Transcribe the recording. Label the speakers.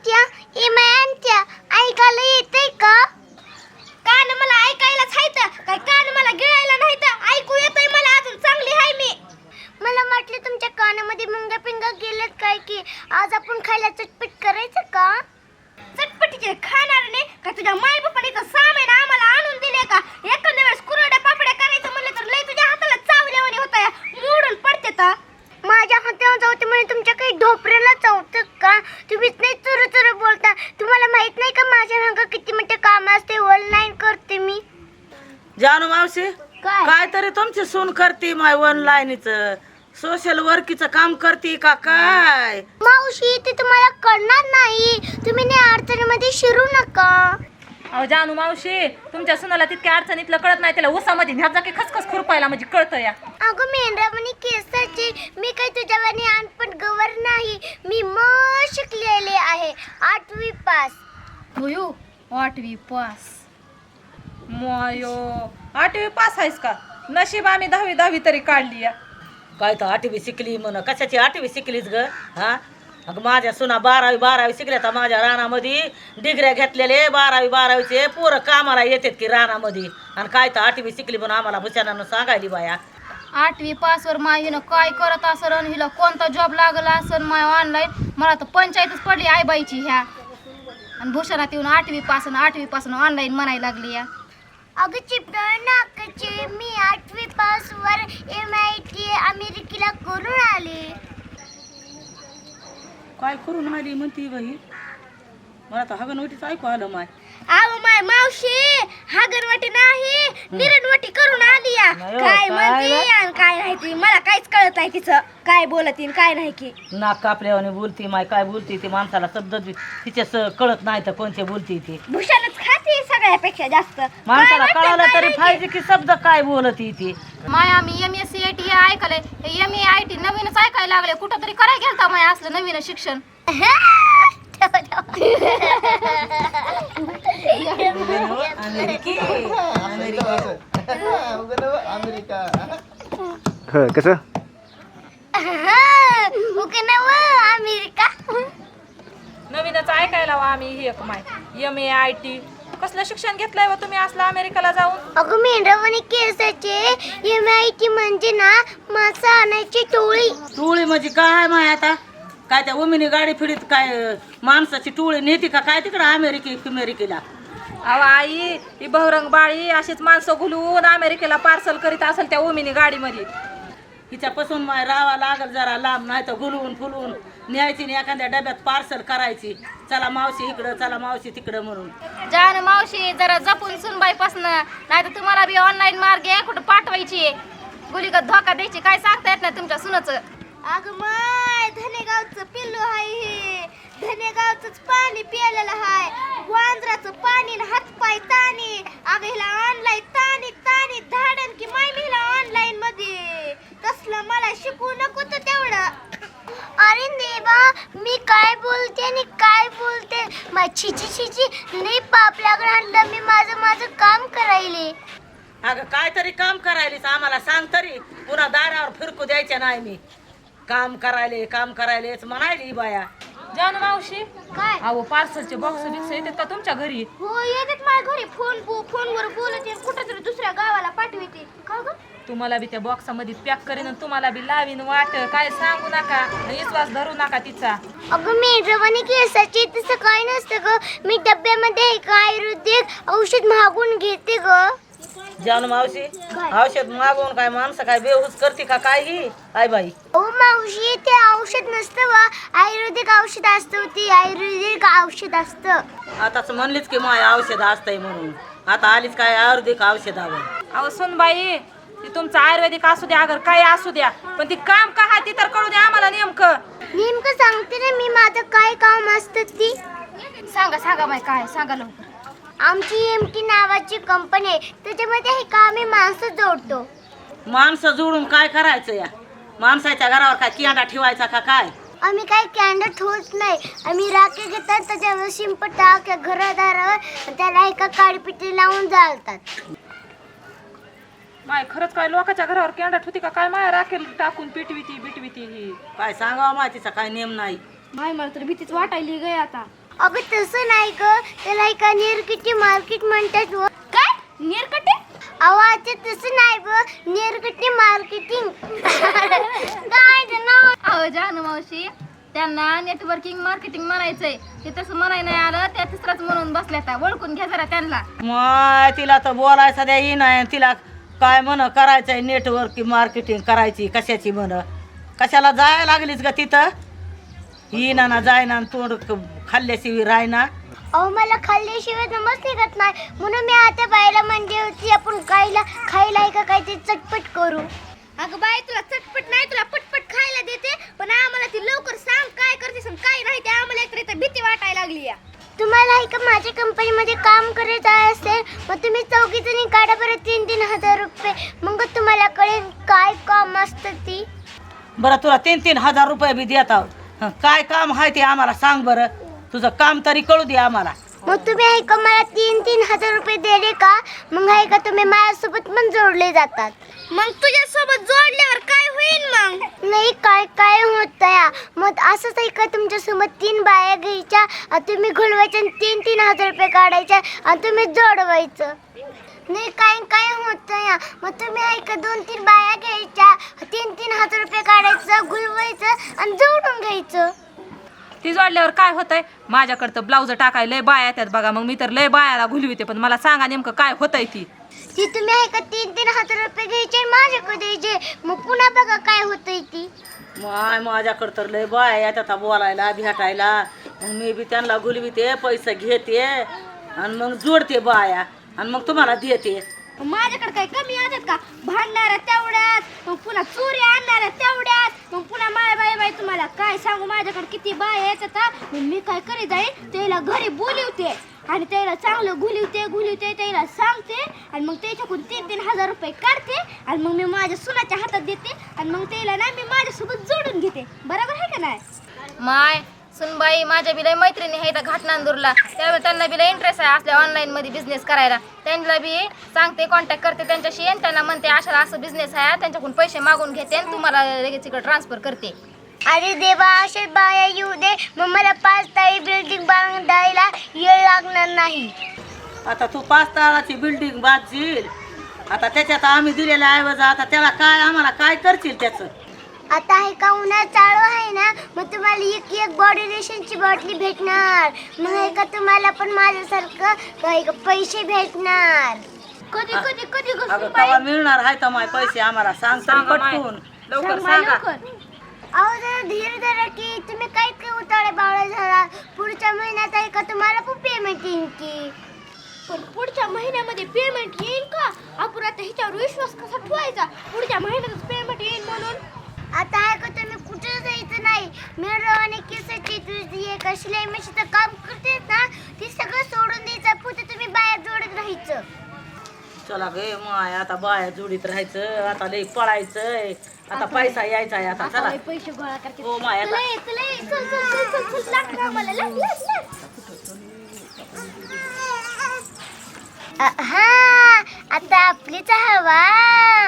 Speaker 1: इमानच्या ऐकायला येतंय का? कान मला ऐकायलाच हायत काय कान मला गिळायला नाहीत ऐकू येतंय मला अजून चांगली हाय मी. मला वाटलं तुमच्या कानामध्ये मुंग्या पिंगा गेलेत काय की आज आपण खायला चटपट करायचं का? चटपटीचे खाणार नाही का तुझ्या माय बापाने तर सामान आम्हाला आणून दिले का? एखाद्या वेळेस कुरड्या पापड्या करायचं म्हणलं तर लय तुझ्या हाताला चावल्यावानी होता मोडून पडते तर. माझ्या हाताला चावते म्हणजे तुमच्या काही ढोपऱ्याला चावतं का? तुम्हीच नाही चुरू चुरू बोलता. तुम्हाला माहित नाही का माझ्या मागं किती मोठे काम असते ऑनलाईन करते मी.
Speaker 2: जानू मावशी काय तरी तुमची सून करते माय ऑनलाईनच सोशल वर्कीचं काम करते का काय?
Speaker 1: मावशी ते तुम्हाला कळणार नाही. तुम्ही नाही अडचणीमध्ये शिरू नका.
Speaker 3: अहो जानू मावशी तुमच्या सुनाला तितक्या अडचणीतलं कळत नाही त्याला उसामध्ये ह्या जागी खसखस खुरपायला म्हणजे कळतं या.
Speaker 1: अगं मेंढरावानी केसाची मी काही तुझ्यावानी अनपट गवर नाही. मी शिकलेले आहे 8वी पास.
Speaker 3: होयो 8वी पास. मोयो 8वी पास आहेस का? नशीब आम्ही 10वी तरी काढली या.
Speaker 2: काय तर 8वी शिकली म्हण कशाची 8वी शिकलीच ग हा? अगं माझ्या सुना 12वी शिकल्या तर माझ्या रानामध्ये डिग्र्या घेतलेले 12वीचे पोरं कामाला येतात की रानामध्ये आणि काय तर 8वी शिकली म्हणून आम्हाला भुशानानं सांगायली बाया.
Speaker 4: 8वी पासवर माईनं काय करत असन आणि हिला कोणता जॉब लागला असन माय ऑनलाईन. मला तर पंचायतच पडली आईबाईची ह्या आणि भूषणात येऊन 8वी पासून ऑनलाईन म्हणायला लागली या.
Speaker 1: अगं चिपळ नाकाचे मी 8वी पास वर MIT अमेरिकेला करून आले.
Speaker 2: काय करून आली म्हणती बाई? मला तर हगनवटीच ऐकू आलं माय.
Speaker 1: आव माय मावशी हागरवाटी नाही निरणवाटी करून आली या.
Speaker 2: नाही हो,
Speaker 1: काय
Speaker 2: काय
Speaker 1: म्हणते आणि काय नाही ती मला काहीच कळत नाही तिचं काय बोलती आणि काय नाही की.
Speaker 2: नाक कापल्यावाने बोलती माय काय बोलती ती माणसाला शब्द तिच्या कळत नाही तर कोणते बोलती ती.
Speaker 1: भूषणच खाते सगळ्यापेक्षा जास्त.
Speaker 2: माणसाला
Speaker 1: काय
Speaker 2: कळालं
Speaker 1: म्हणते,
Speaker 2: तरी
Speaker 1: काय
Speaker 2: पाहिजे की शब्द काय बोलती ती.
Speaker 4: माय आम्ही MSc ऐकलंय MAIT नवीनच ऐकायला लागले. कुठं तरी करायला गेलता माय असलं नवीन शिक्षण.
Speaker 5: कसं
Speaker 1: अमेरिका
Speaker 3: नवीनच ऐकायला वा आम्ही ही एक माय MAIT कसलं शिक्षण घेतलंय व तुम्ही असलं अमेरिकेला जाऊन?
Speaker 1: अगं मेंढरावानी केसाचे MIT म्हणजे ना मासा आणायची टोळी.
Speaker 2: टोळी म्हणजे काय माय आता काय त्या उमिनी गाडी फिडीत काय माणसाची टोळी नेती का काय तिकडं अमेरिकेला?
Speaker 3: अहो आई ही बहुरंग बाळी अशीच माणसं घुलून अमेरिकेला पार्सल करीत असेल त्या ओमिनी गाडीमध्ये.
Speaker 2: हिच्यापासून माय रावा लागल जरा लांब नाही तर गुलवून फुलवून न्यायची आणि एखाद्या डब्यात पार्सल करायची. चला मावशी इकडं चला मावशी तिकडं म्हणून.
Speaker 4: जान मावशी जरा जपून सुनबाईपासून नाही तर तुम्हाला बी ऑनलाईन मार्गे कुठं पाठवायची गुलीगत धोका द्यायची काय सांगता येत नाही तुमच्या सुनाचं.
Speaker 1: अगं माय धनेगावचं पिल्लू हाय हे. धनेगावचंच पाणी प्यायलेलं हाय. वांद्राचं पाणी हातपाय ताणी. अगं हिला ऑनलाईन ताणी ताणी धाडन की माय मी हिला ऑनलाईन मध्ये तसलं मला शिकवू नको तर तेवढं. अरे देवा मी काय बोलते आणि काय बोलते. छिची नाही पाप लागणार. मी माझं काम करायले.
Speaker 2: अगं काय तरी काम करायलीच आम्हाला सांग तरी पुन्हा दारावर फिरकू द्यायच्या नाही मी. काम करायलेच म्हणायली बाया.
Speaker 3: जानू मावशी
Speaker 1: काय
Speaker 3: अहो पार्सलचे बॉक्स बिक्स येतात का तुमच्या घरी?
Speaker 1: हो येतात माझ्या घरी. फोनवर बोलते कुठं तरी दुसऱ्या गावाला पाठवते. का ग
Speaker 3: तुम्हाला बी त्या बॉक्समध्ये पॅक करीन आणि तुम्हाला बी लावीन वाट. काय सांगू नका विश्वास धरू नका तिचा.
Speaker 1: अगं मी रवानी केसाची तसं काय नसतं ग. मी डब्यामध्ये एक आयुर्वेदिक औषध मागून घेते ग.
Speaker 2: जानू मावशी औषध मागवून काय माणसं काय बेहूस करते का काय ही आई बाई?
Speaker 1: ओ मावशी ते औषध नसतं वा आयुर्वेदिक औषध असतं. ती आयुर्वेदिक औषध असतं.
Speaker 2: आताच म्हणलीच की माय औषध असतंय म्हणून आता आलीच काय आयुर्वेदिक औषधावर.
Speaker 3: अहो सुनबाई ती तुमचं आयुर्वेदिक असू द्या अगर काय असू द्या पण ती काम का हा ती तर कळू द्या आम्हाला
Speaker 1: नेमकं सांगते ना मी माझं काय काम असतं ती.
Speaker 4: सांगा माय काय सांगा लवकर.
Speaker 1: आमची MT नावाची कंपनी आहे. त्याच्यामध्ये हे काम आम्ही माणसं जोडतो.
Speaker 2: माणसं जोडून काय करायचं या माणसाच्या घरावर काय किंडा ठेवायचा का काय?
Speaker 1: आम्ही काय कॅन्डल ठेवत नाही. आम्ही राखे घेतात त्याच्यावर शिंप टाक्या घरादारावर त्याला एका काळीपिटी लावून जाळतात.
Speaker 3: माय खरंच काय लोकांच्या घरावर कॅन्डट होती का काय? माया राखेल टाकून पिटविती ही
Speaker 2: काय सांगावं माहितीचा काय नेम नाही.
Speaker 4: माय मला तर भीतीच वाटायली गे आता.
Speaker 1: अगं तसं नाही ग, त्याला एका निरकटी मार्केट म्हणतात व. काय निरकटी? आवाज तसं नाही व, निरकटी मार्केटिंग. काय ते नाव?
Speaker 4: अहो जानू मावशी, त्यांना नेटवर्किंग मार्केटिंग म्हणायचंय. ते तसं म्हणाय नाही आलं, त्या तिसराच म्हणून बसल्या. आता ओळखून घ्या जरा त्यांना.
Speaker 2: माय तिला तर बोलायचं द्या ही नाही. तिला काय म्हण करायचंय नेटवर्क मार्केटिंग करायची कशाची म्हण. कशाला जायला लागलीच ग तिथं? ही ना जायना तोंड खाल्ल्याशिवाय रायना.
Speaker 1: अहो मला खाल्ल्याशिवाय नमस निघत नाही, म्हणून मी आता बायला म्हणजे होती आपण खायला का काय ते चटपट करू. अगं बाई तुला चटपट नाही, तुला पटपट खायला देते, पण आम्हाला ती लवकर सांग काय करतेस आणि काय नाही ते. आम्हाला एकतर इथं भीती वाटायला लागली या. तुम्हाला का माझ्या कंपनीमध्ये काम करायचं असेल मग तुम्ही 4 जणी काढा बरं 3-3 हजार रुपये, मग तुम्हाला कळेल काय काम असतं ती.
Speaker 2: बरं तुला 3-3 हजार रुपये बी देत आहोत. काय काम आहे ते आम्हाला सांग बरं. तुझं काम तरी कळू दे आम्हाला.
Speaker 1: मग तुम्ही आहे का मला 3-3 हजार रुपये दिले का, मग आहे का तुम्ही माझ्यासोबत पण जोडले जातात. मग तुझ्यासोबत जोडल्यावर काय होईल मग? नाही काय होत या, मग असंच आहे का तुमच्यासोबत 3 बाया घ्यायच्या आणि तुम्ही घुलवायच्या आणि 3-3 हजार रुपये काढायच्या आणि तुम्ही जोडवायचं. नाही काय होत या, मग तुम्ही आहे का 2-3 बाया घ्यायच्या 3-3 हजार रुपये काढायचं, घुलवायचं आणि जोडून घ्यायचं.
Speaker 3: ती जोडल्यावर काय होतंय? माझ्याकडं तर ब्लाऊज टाकाय लय बाया येतात बघा, मग मी तर लय बायाला घुलविते. पण मला सांगा नेमकं काय होतंय ती
Speaker 1: तुम्ही आहे का 3-3 हजार रुपये घ्यायचे माझ्याकडे द्यायचे, मग पुन्हा बघा काय होतंय ती.
Speaker 2: माझ्याकडं तर लय बाय येतात बोलायला भेटायला. मग मी बी त्यांना गुलविते, पैसे घेते आणि मग जोडते बाया आणि मग तुम्हाला देते.
Speaker 1: माझ्याकडे काय कमी येतात का? भांडणाऱ्या तेवढ्याच, मग पुन्हा चोरी आणणाऱ्या तेवढ्याच, मग पुन्हा बाय तुम्हाला काय सांगू माझ्याकडे किती बाय येतात. मग मी काय करीत जाईल त्याला घरी बोलवते आणि त्याला चांगलं घुलवते त्याला सांगते आणि मग त्याच्याकडून 3-3 हजार रुपये काढते आणि मग मी माझ्या सुनाच्या हातात देते आणि मग त्याला ना मी माझ्यासोबत जोडून घेते. बरोबर आहे का नाही?
Speaker 4: माय सुनबाई माझ्या बिला मैत्रिणी आहे इथं घाटनांदूरला, त्यामुळे त्यांना बिला इंटरेस्ट आहे असल्या ऑनलाईनमध्ये बिझनेस करायला. त्यांना बी सांगते, कॉन्टॅक्ट करते त्यांच्याशी आणि त्यांना म्हणते अशा असं बिझनेस आहे, त्यांच्याकडून पैसे मागून घेते आणि तुम्हाला लगेच इकडे ट्रान्सफर करते.
Speaker 1: अरे देवा, असे बाया येऊ दे, मग मला 5 ताळी बिल्डिंग बांधायला वेळ लागणार नाही.
Speaker 2: आता तू 5 ताळाची बिल्डिंग बांधशील, आता त्याच्यात आम्ही दिलेला ऐवज आता त्याला काय आम्हाला काय करशील त्याचं?
Speaker 1: आता आहे का उन्हाळा चालू आहे ना, मग तुम्हाला एक बॉडी लोशनची बाटली भेटणार, मग आहे का तुम्हाला पण माझ्यासारखं काही पैसे भेटणार. कधी
Speaker 2: अगं केव्हा मिळणार आहे तर माय पैसे आम्हाला सांग तरी पटकून.
Speaker 3: लवकर सांगा.
Speaker 1: अहो जरा धीर धरा की, तुम्ही काय उताळे बावळा झाला. पुढच्या महिन्यात आहे का तुम्हाला पण पेमेंट येईल की. पण पुढच्या महिन्यामध्ये पेमेंट येईल का? आपण आता ह्याच्यावर विश्वास कसा ठेवायचा? पुढच्या महिन्यातच पेमेंट येईल म्हणून. आता आहे का तुम्ही कुठं जायचं नाही. मिरवाने केसाची तुझी एक शिलाई मशीचं काम करतेस ना, ती सगळं सोडून द्यायचं, फक्त तुम्ही बाहेर जोडत राहायचं.
Speaker 2: चला गे माय, आता बाया जोडीत राहायचं, आता लई पळायचंय, आता पैसा यायचा आहे आता. चला
Speaker 1: पैसे गोळा करते.
Speaker 2: हो माय आता
Speaker 1: चल लाग आम्हाला लाग. हा आता आपलीच हवा.